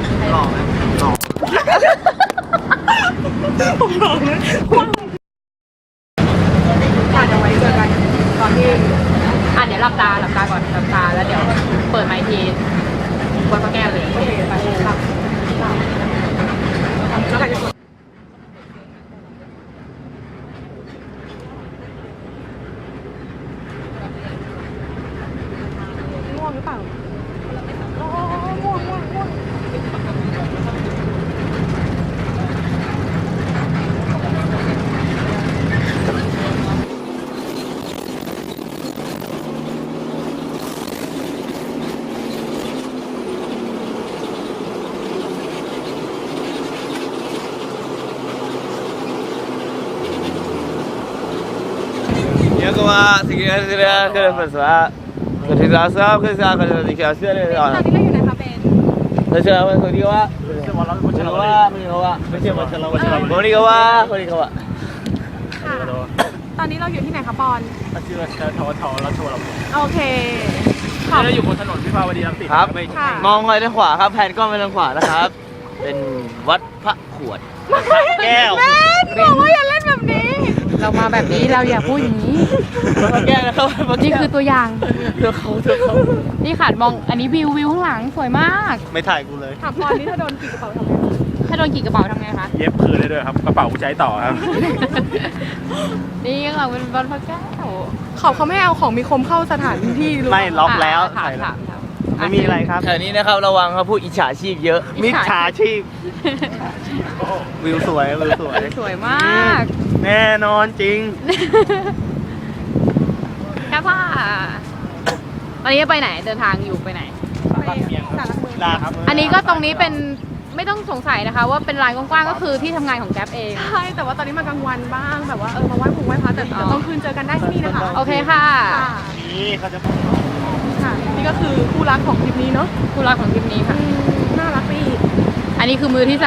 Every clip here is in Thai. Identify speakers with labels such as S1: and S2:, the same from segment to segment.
S1: หล่อไหมหล่อผมหล่อไหมอาจจะไว้เจอกันตอนที่
S2: เดี๋ยวหลับตาก่อนหลับตาแล้วเดี๋ยวเปิดไมค์ทีบนพระแก้วเลยโอเคไปครับ
S1: แล้วกันจะกดง่วงหรือเปล่าง่วง
S3: Kuma sekian sudah kerja kerja sahab kerja dikasih
S1: ตอนนี้เราอยู่ในคาเฟ่
S3: kerja apa kau kawa kau kawa
S1: ค่ะตอนนี้เราอยู่ที่ไหนคะปอน
S4: ชื่อทวทราชวรบุตร
S1: โอเค
S4: เราอยู่บนถนนวิภาวดีรังสิต
S3: ครับมองไปทางขวาครับแผนกล้องไปทางขวานะครับเป็นวัดพระขวดแก้ว
S1: บอกว่าอย่าเล่นแบบนี้
S2: เรามาแบบนี้เราอย่าพูดอย่างนี้
S3: แก้วนะครับ
S2: นี่คือตัวอย่าง
S3: เธอเขา
S2: นี่ขาดมองอันนี้วิวข้างหลังสวยมาก
S3: ไม่ถ่ายกูเลย
S1: ถามปอนนี่ถ้าโดนกี่กระเป๋าทำไง
S2: ถ้าโดนกี่กระเป๋าทำไงคะ
S4: เย็บคืนได้ด้วยครับกระเป๋าใช้ต่อครับ
S2: นี่ข้างหลังเป็นวัดพระแก้ว
S1: เขาไม่เอาของมีคมเข้าสถานที่
S3: ไม่ล็อกแล้ว
S2: ถาม
S3: ไม่มีอะไรครับแถวนี้นะครับระวังครับผู้อิจฉาชีพเยอะมิจฉาชีพวิวสวย
S2: สวยมาก
S3: แน่นอนจริง
S2: แค่ว่าตอนนี้ไปไหนเดินทางอยู่ไปไหนอันนี้ก็ตรงนี้เป็นไม่ต้องสงสัยนะคะว่าเป็นลานกว้างๆก็คือที่ทำงานของแก๊ปเอง
S1: ใช่แต่ว่าตอนนี้มากลางวันบ้างแบบว่ามาไหว้ปู่ไหว้พระแต่เดี๋ยวต้องคืนเจอกันได้ที่นี่นะคะ
S2: โอเคค่ะ
S3: นี่เขาจะ
S1: ค่ะนี่ก็คือคู่รักของทริปนี้เนาะ
S2: คู่รักของทริปนี้ค่ะ
S1: น่ารักไปอีก
S2: อันนี้คือมือที่3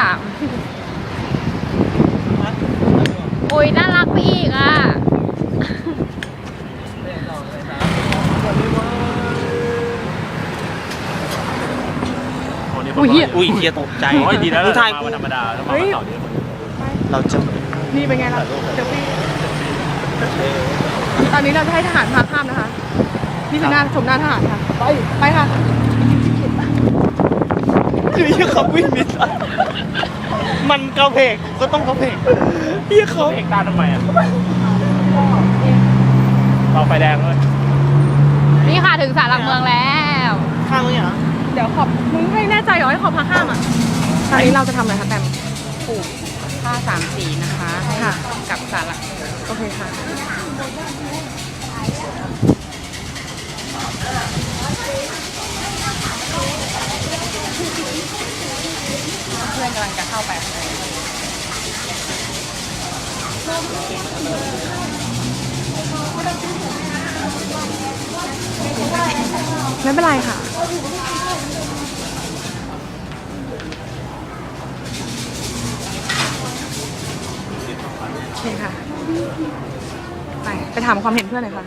S2: โอ้ยน่ารักไปอีกอ่ะ
S3: อุ้ยเฮียตกใจ
S4: ดีแล้ว
S3: ถ่าย
S4: มาธรรมดาแล้วมาเสาร์นี้
S3: เราจะ
S1: นี่เป็นไงล่ะเดี๋ยวพี่ตอนนี้เราจะให้ทหารพาข้ามนะคะนี่คือหน้าชมหน้าทหารค่ะไปค่ะ
S3: คือเฮียเขาวิ่งนิดมันกระเพกก็ต้องกระเพกเฮียเขา
S4: เอกตาทำไมอ่ะเราไฟแดงเลย
S2: นี่ค่ะถึงศาลหลักเมืองแล้ว
S3: ข้ามมั้ยเหรอ
S1: เดี๋ยวขอบมึงไม่แน่ใจเหรอให้ขอพาข้ามอ่ะตอนนี้เราจะทำอะไรคะแตม
S2: ปลูกผ้า3 สีนะคะ
S1: ค่ะ
S2: กับศาลหลัก
S1: โอเคค่ะ
S2: เพื่อนกำลังจะเข้าไป
S1: ไม่เป็นไรค่ะโอเคค่ะไปถามความเห็นเพื่อนหน่อยค่ะ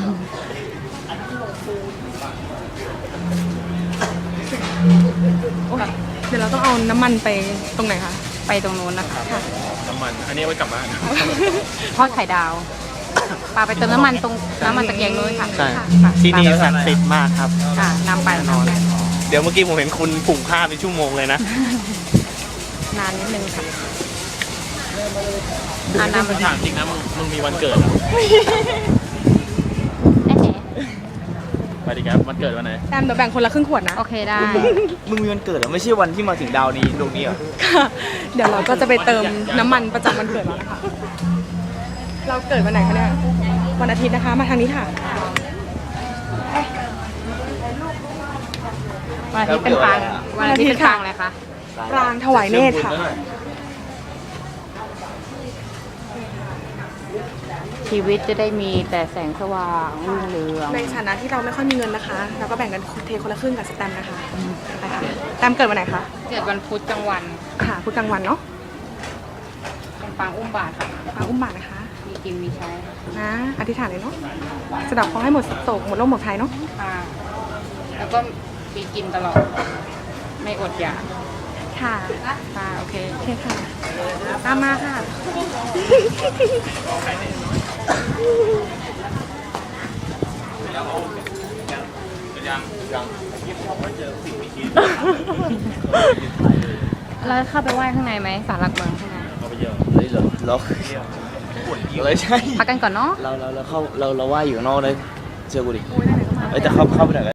S1: เดี๋ยวเราต้องเอาน้ำมันไปตรงไหนคะ
S2: ไปตรงนู้นนะคะ
S4: น้ำมันอันนี้ไว้กลับบ้าน
S2: ทอดไข่ดาวปาไปเติมน้ำมันตรงน้ำมันตะเกียงนู้นค่ะ
S3: ใช่ที่นี่ศักดิ์สิทธิ์มากครับ
S2: นำไปนอน
S3: เดี๋ยวเมื่อกี้ผมเห็นคุณผุ่งผ้าเป็นชั่วโมงเลยนะ
S2: นานนิดนึงค่ะ
S4: น้ำถามจริงนะมึงมีวันเกิดอ่ะไปดิครับวันเกิดวันไหน
S1: แอมเดี๋ยวแบ่งคนละครึ่งขวดนะ
S2: โอเคได้
S3: มึงมีวันเกิดเหรอไม่ใช่วันที่มาถึงดาวนี้ดวงนี้เหรอ
S1: เดี๋ยวเราก็จะไปเติมน้ำมันประจำวันเกิดเรานะคะเราเกิดวันไหนคะเนี่ยวันอาทิตย์นะคะมาทางนี้ค่ะ
S2: วันอาทิตย์เป็นปางวันอาทิตย์เป็นปางอะไรคะ
S1: ปรางถวายเนตรค่ะ
S2: ชีวิตจะได้มีแต่แสงสว่างรุ่งเรือง
S1: ในฐานะที่เราไม่ค่อยมีเงินนะคะเราก็แบ่งกันเทคนละครึ่งกับสแตมนะคะไปค่ะแตมเกิดวันไหนคะ
S2: เกิดวันพุธกลางวัน
S1: ค่ะพุธกลางวันเนาะ
S2: เป็นปางอุ้มบาตรค่ะ
S1: ปางอุ้มบาตรนะคะ
S2: มีกินมีใช้
S1: นะอธิษฐานเลยเนาะสะดอกขอให้หมดโศกหมดโรคหมดภัยเนาะ
S2: ค่ะแล้วก็มีกินตลอดไม่อดอยาก
S1: ค่ะ
S2: ค่ะโอเค
S1: โอเคค่ะ ตามมาค่ะ
S2: แล้วเข้าไปไหว้ข้างในไหมศาลหลักเมืองข้างใน
S3: เฮ้ยเราเลยใช่
S2: พักกันก่อนเนาะ
S3: เราไหว้อยู่ข้างนอกเลยเชื่อกูดิเอ้ยแต่เข้าไปไหนอย